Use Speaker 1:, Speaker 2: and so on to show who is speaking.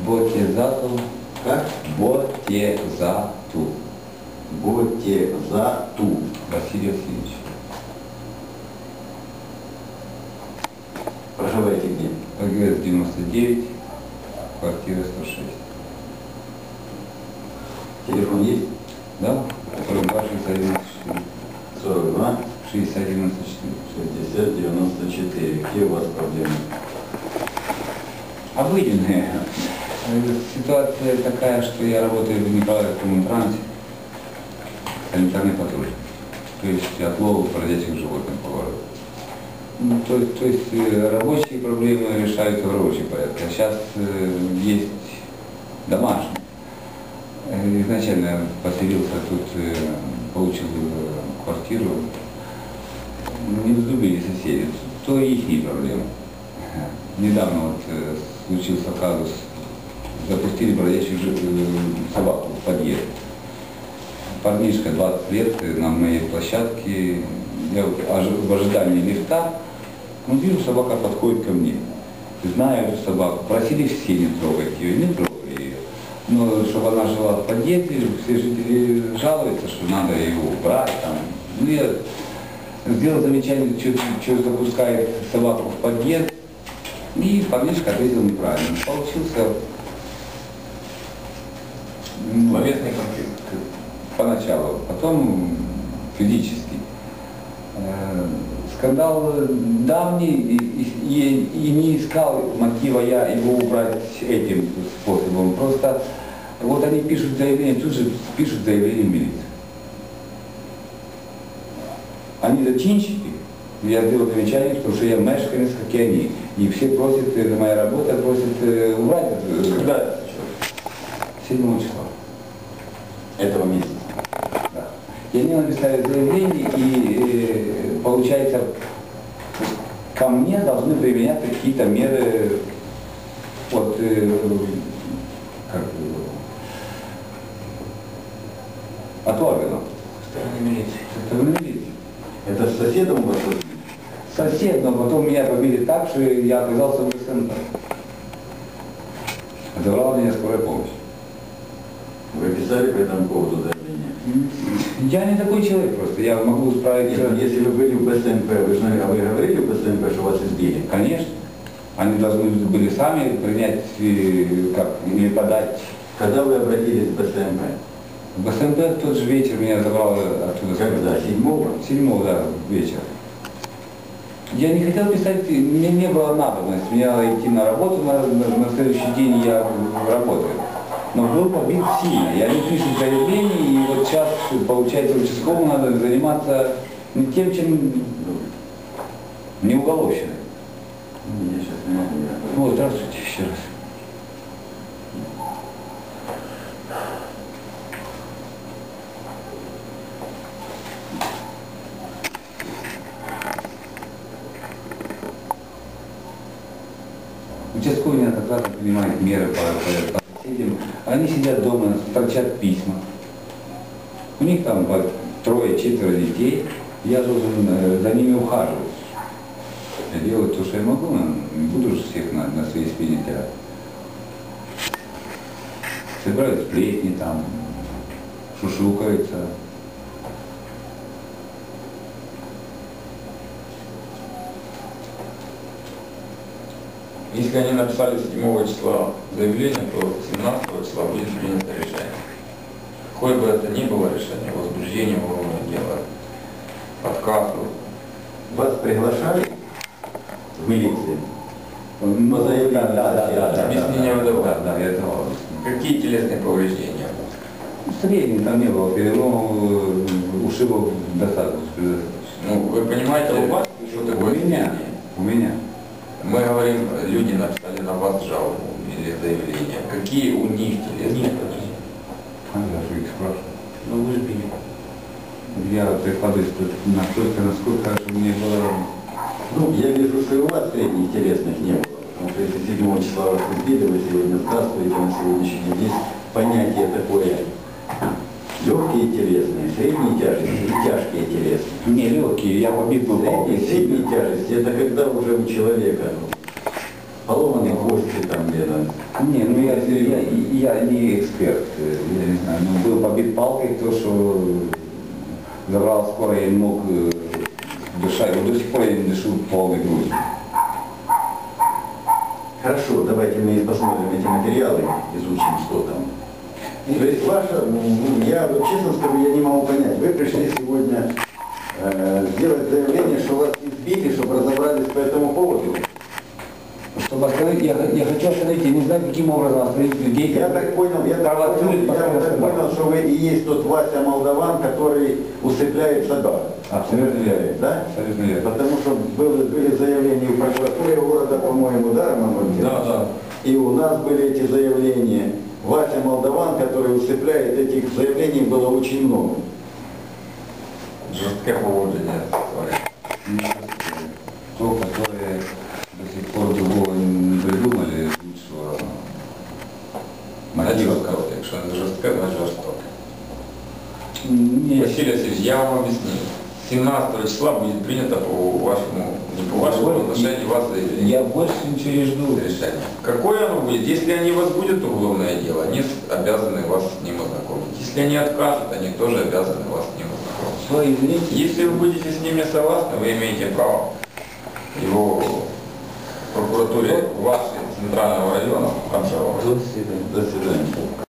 Speaker 1: Ботезату.
Speaker 2: Как?
Speaker 1: Ботезату.
Speaker 2: Ботезату.
Speaker 1: Василий Васильевич.
Speaker 2: Проживаете где?
Speaker 1: ПГС 99, квартира 106.
Speaker 2: Телефон есть?
Speaker 1: Да? 42 61
Speaker 2: 42
Speaker 1: 60 94.
Speaker 2: 60 94. Какие у вас проблемы?
Speaker 1: Обыденные. Ситуация такая, что я работаю в Николаевском трансе, санитарный патруль. То есть отлов бродячих животных по городу. Ну, то есть рабочие проблемы решаются в рабочем порядке. А сейчас есть домашние. Изначально поселился тут, получил квартиру. Не взлюбили соседи. То и их проблемы. Недавно вот случился казус. Запустили бродячих собаку в подъезд. Парнишка 20 лет на моей площадке. Я в ожидании лифта, вижу, собака подходит ко мне. Знаю эту собаку, просили все не трогать ее, не трогали ее. Но чтобы она жила в подъезде, все жители жалуются, что надо ее убрать. Там. Ну, я сделал замечание, что запускает собаку в подъезд, и парнишка ответил неправильно. Получился словесный конфликт поначалу, потом физический. Скандал давний, и не искал мотива я его убрать этим способом. Просто вот они пишут заявление, тут же пишут заявление в милицию. Они зачинщики, я сделал замечание, потому что я мешканец, как и они. И все просят, это моя работа, просят убрать.
Speaker 2: Когда это случилось?
Speaker 1: 7 числа.
Speaker 2: Этого месяца.
Speaker 1: Да. И они написали заявление, и получается, ко мне должны применяться какие-то меры от от органов.
Speaker 2: Стороны милиции.
Speaker 1: Со стороны милиции.
Speaker 2: Это с соседом у вас?
Speaker 1: Сосед, но потом меня побили так, что я оказался в СНП. Забрала меня скорая помощь.
Speaker 2: Вы писали по этому поводу заявление?
Speaker 1: Я не такой человек просто, я могу справить...
Speaker 2: Нет, если вы были в БСМП, вы говорили в БСМП, что вас избили?
Speaker 1: Конечно. Они должны были сами принять, или подать.
Speaker 2: Когда вы обратились в БСМП?
Speaker 1: В БСМП в тот же вечер меня забрало оттуда.
Speaker 2: Когда? 7-го?
Speaker 1: 7-го, да, вечер. Я не хотел писать, мне не было надобности. Мне надо идти на работу, на следующий день я работаю. Но был побит сильно. Я не пишу заявление, и вот сейчас, получается, участковому надо заниматься не тем, чем не уголовщиной.
Speaker 2: Я сейчас не могу.
Speaker 1: Ну, здравствуйте еще раз. Участковый неоднократно принимает меры по соседям. Они сидят дома, торчат письма. У них там 3-4 детей. Я должен за ними ухаживать. Я делаю то, что я могу, но не буду же всех на своей спине тягать. Собирают сплетни там, шушукаются.
Speaker 3: Если они написали 7 числа заявление, то 17 числа будет принято решение. Какое бы это ни было решение, возбуждение уголовного дела, отказу.
Speaker 2: Вас приглашали в милицию?
Speaker 3: Объяснение вы давали?
Speaker 1: Да, я давал.
Speaker 3: Какие телесные повреждения?
Speaker 1: Средний там не было, но ушибов достаточно.
Speaker 3: Ну, вы понимаете, у вас что такое среднее?
Speaker 1: У меня.
Speaker 3: Мы говорим, люди написали на вас жалобу или заявление. Какие у них телесные повреждения?
Speaker 1: А я же их спрашиваю.
Speaker 3: Ну вы же били.
Speaker 1: Я прикладываюсь настолько, насколько мне было...
Speaker 2: Ну, я вижу, что и у вас средних телесных не было. Потому что если 7 числа вас избили, вы сегодня здравствуете, на сегодняшний день есть понятие такое. Легкие телесные, средние тяжести и тяжкие телесные.
Speaker 1: Не легкие, я побит был палкой
Speaker 2: Средние
Speaker 1: сильно.
Speaker 2: тяжести, это когда уже у человека поломаны кости, там, Леонидович?
Speaker 1: Не, ну я не эксперт, я не знаю, ну был побит палкой, то, что забрал скоро, я не мог дышать, вот до сих пор я не дышу полной грудью.
Speaker 2: Хорошо, давайте мы посмотрим эти материалы, изучим, что там. То есть ваша, я вот честно скажу, я не могу понять, вы пришли сегодня сделать заявление, что вас избили, чтобы разобрались по этому поводу?
Speaker 1: Чтобы остановить, я хочу остановить, я не знаю, каким образом остановить людей,
Speaker 2: Я так понял, что вы и есть тот Вася Молдаван, который усыпляет собак.
Speaker 1: Абсолютно верно.
Speaker 2: Да?
Speaker 1: Абсолютно верно.
Speaker 2: Потому что были заявления в прокуратуре города, по-моему, да, Роман Владимирович?
Speaker 3: Да.
Speaker 2: И у нас были эти заявления. Вася Молдаван, который усыпляет, этих заявлений было очень много.
Speaker 3: Жесткое поводжение творит.
Speaker 1: То, которые до сих пор другого не придумали, лучшего мотива.
Speaker 3: Якщо не жорстке, значить жорстоке.
Speaker 1: Нет.
Speaker 3: Василий Васильевич, я вам объяснил. 17 числа будет принято по вашему, не по вашему отношению вас заявление.
Speaker 1: Я больше ничего не жду.
Speaker 3: Решение. Какое оно будет? Если они возбудят уголовное дело, они обязаны вас с ним ознакомить. Если они откажут, они тоже обязаны вас с ним ознакомить.
Speaker 1: Что, извините?
Speaker 3: Если вы будете с ними согласны, вы имеете право его в прокуратуре вашей центрального района обжаловать.
Speaker 1: До свидания.
Speaker 2: До свидания.